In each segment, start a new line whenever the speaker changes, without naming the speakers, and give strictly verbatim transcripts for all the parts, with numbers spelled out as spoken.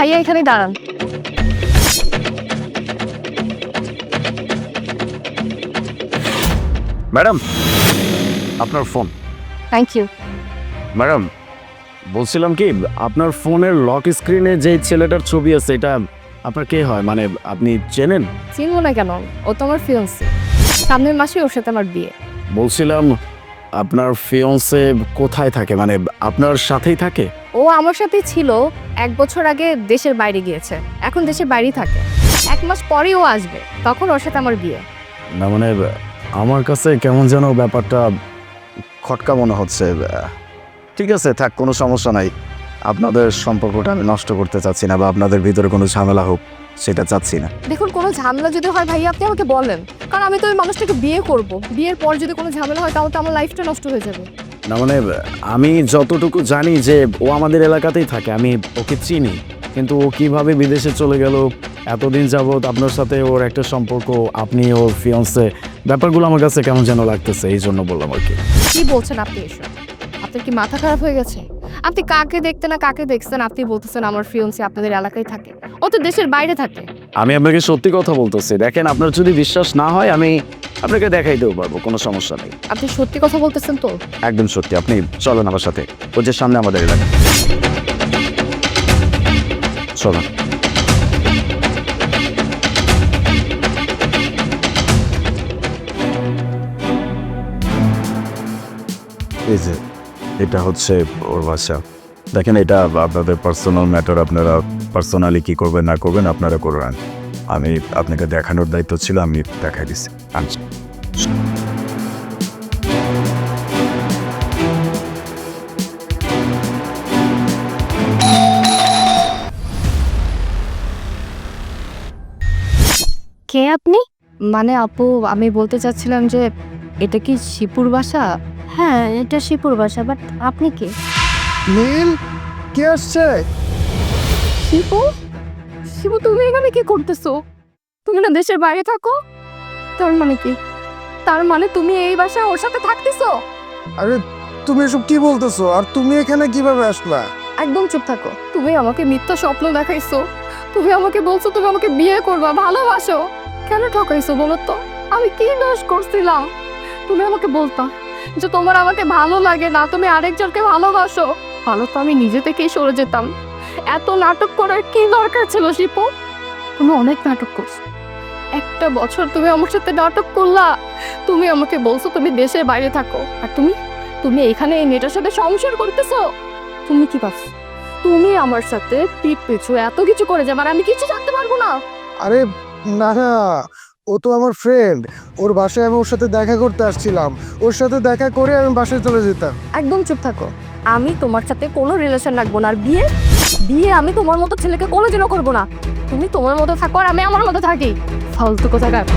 ভাইয়া এখানে দাঁড়ান।
ম্যাডাম, আপনার ফোন।
Thank you.
ম্যাডাম, বলছিলাম কি, আপনার ফোনের লক স্ক্রিনে যে ছেলেটার ছবি আছে, এটা আপনার কে হয়? মানে আপনি চেনেন?
চিনবো না কেন, ও তো আমার ফিয়ন্সি। সামনের মাসে ওর সাথে আমার বিয়ে।
বলছিলাম আপনার ফিয়ন্সে কোথায় থাকে, মানে আপনার সাথেই থাকে?
ও আমার সাথেই ছিল, এক বছর আগে দেশের বাইরে গিয়েছে, এখন দেশের বাইরেই থাকে। এক মাস পরেই ও আসবে, তখন ওর সাথে আমার বিয়ে।
না মানে আমার কাছে কেমন যেন ব্যাপারটা খটকা মনে হচ্ছে। ঠিক আছে, থাক, কোনো সমস্যা নাই। আপনাদের সম্পর্কটা আমি নষ্ট করতে চাচ্ছি না, বা আপনাদের ভিতরে কোনো ঝামেলা হোক সেটা চাচ্ছি না।
দেখুন, কোনো ঝামেলা যদি হয় ভাইয়া আপনি আমাকে বলেন, কারণ আমি তো ওই মানুষটাকে বিয়ে করব। বিয়ের পর যদি কোনো ঝামেলা হয় তাহলে তো আমার লাইফটা নষ্ট হয়ে যাবে।
না মানে আমি যতটুকু জানি যে ও আমাদের এলাকাতেই থাকে, আমি ওকে চিনি, কিন্তু ও কিভাবে বিদেশে চলে গেল, এতদিন যাবৎ আপনার সাথে ওর একটা সম্পর্ক, আপনি ওর ফিয়ন্সে, ব্যাপারগুলো আমার কাছে কেমন যেন লাগতেছে, এই জন্য বললাম আর কি।
কি বলছেন আপনি এসব? আপনার কি মাথা খারাপ হয়ে গেছে? আপনি কাকে দেখতে না কাকে দেখছেন, আপনি বলতেছেন আমার ফিয়ন্সি আপনাদের এলাকায় থাকে? ও তো দেশের বাইরে থাকে।
আমি আপনাকে সত্যি কথা বলতেছি, দেখেন, আপনার যদি বিশ্বাস না হয় আমি আপনাকে দেখাইতেও পারবো, কোনো সমস্যা নেই।
আপনি সত্যি কথা বলতেছেন তো?
একদম সত্যি। আপনি চলেন আমার সাথে, ওর যে সামনে আমাদের এলাকা, চলেন। এই যে এটা হচ্ছে ওর বাসা। দেখেন, এটা আপনাদের পার্সোনাল ম্যাটার, আপনারা পার্সোনালি কী করবেন না করবেন আপনারা করবেন। আমি আপনাকে দেখানোর দায়িত্ব ছিল, আমি দেখাই দিচ্ছি। আচ্ছা,
কে আপনি? মানে আপু, আমি বলতে চাচ্ছিলাম যে এটা কি শিপুর বাসা?
হ্যাঁ, এটা শিপুর বাসা, বাট আপনি কে?
নীল, কে আসছে?
শিপু? শিপু, তুমি এখানে কি করতেছো? তুমি না দেশের বাইরে থাকো? তার মানে কি? তার মানে তুমি এই বাসায় ওর সাথে থাকতেছো?
আরে তুমি এসব কি বলতেছো? আর তুমি এখানে কিভাবে আসলা?
একদম চুপ থাকো। তুমি আমাকে মিথ্যা স্বপ্ন দেখাইছো। তুমি আমাকে বলছো তুমি আমাকে বিয়ে করবা, ভালোবাসো। কেন ঠকাইছো বলো তো? আমি কি দোষ করছিলাম? তুমি আমাকে বলতা যে তোমার আমাকে ভালো লাগে না, তুমি আরেকজনকে ভালোবাসো, ভালো তো আমি নিজে থেকেই সরে যেতাম। এত নাটক করার কি দরকার ছিল শিপু? তুমি অনেক নাটক করছো। একটা বছর তুমি আমার সাথে নাটক করলা। তুমি আমাকে বলছো তুমি দেশের বাইরে থাকো, আর তুমি তুমি এখানে এই মেয়েটার সাথে সংসার করতেছো। তুমি কি ভাবছো তুমি আমার সাথে পিঠ পিছু এত কিছু করে যাবে আর আমি কিছু জানতে পারবো না?
আরে না না, ও তো আমার ফ্রেন্ড। ওর বাসায় আমি ওর সাথে দেখা করতে আসছিলাম। ওর সাথে দেখা করে আমি বাসায় চলে যেতাম।
একদম চুপ থাকো। আমি তোমার সাথে কোনো রিলেশন রাখবো না, আর বিয়ে বিয়ে আমি তোমার মতো ছেলেকে কোনোদিনও করবো না। তুমি তোমার মতো থাকো আর আমি আমার মতো থাকি। ফালতু কোথাকার।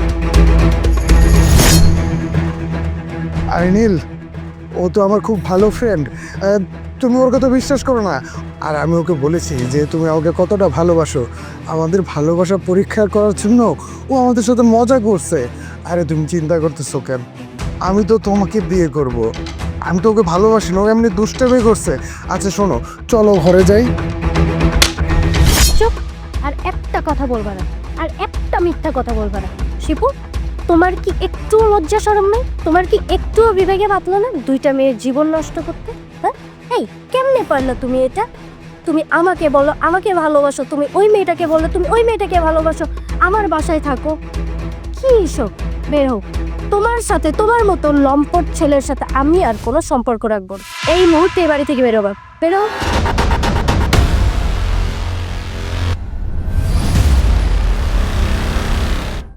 আরে নীল, ও তো আমার খুব ভালো ফ্রেন্ড। তুমি ওর কথা বিশ্বাস করো না। আর আমি ওকে বলেছি যে তুমি আমাকে কতটা ভালোবাসো। আমাদের ভালোবাসা পরীক্ষা করার জন্য ও আমাদের সাথে মজা করছে। আরে তুমি চিন্তা করতেছো কেন? আমি তো তোমাকে বিয়ে করব। আমি তো ওকে ভালোবাসি না, ও এমনি দুষ্টামি করছে। আচ্ছা শোনো, চলো ঘরে যাই।
চুপ! আর একটা কথা বলবা না, আর একটা মিথ্যা কথা বলবা না। শিপু, তোমার কি একটু লজ্জা শরম নেই? তোমার কি একটুও বিবেকে বাতলো না দুইটা মেয়ের জীবন নষ্ট করতে? হ্যাঁ, এই কেমনে পারলে তুমি এটা? তুমি আমাকে বলো আমাকে ভালোবাসো, তুমি ওই মেয়েটাকে বলো তুমি ওই মেয়েটাকে ভালোবাসো, আমার বাসায় থাকো। কি এসব? বের হোক। তোমার সাথে, তোমার মতো লম্পট ছেলের সাথে আমি আর কোনো সম্পর্ক রাখবো না। এই মুহূর্তে এই বাড়ি থেকে বেরোবা, বেরো।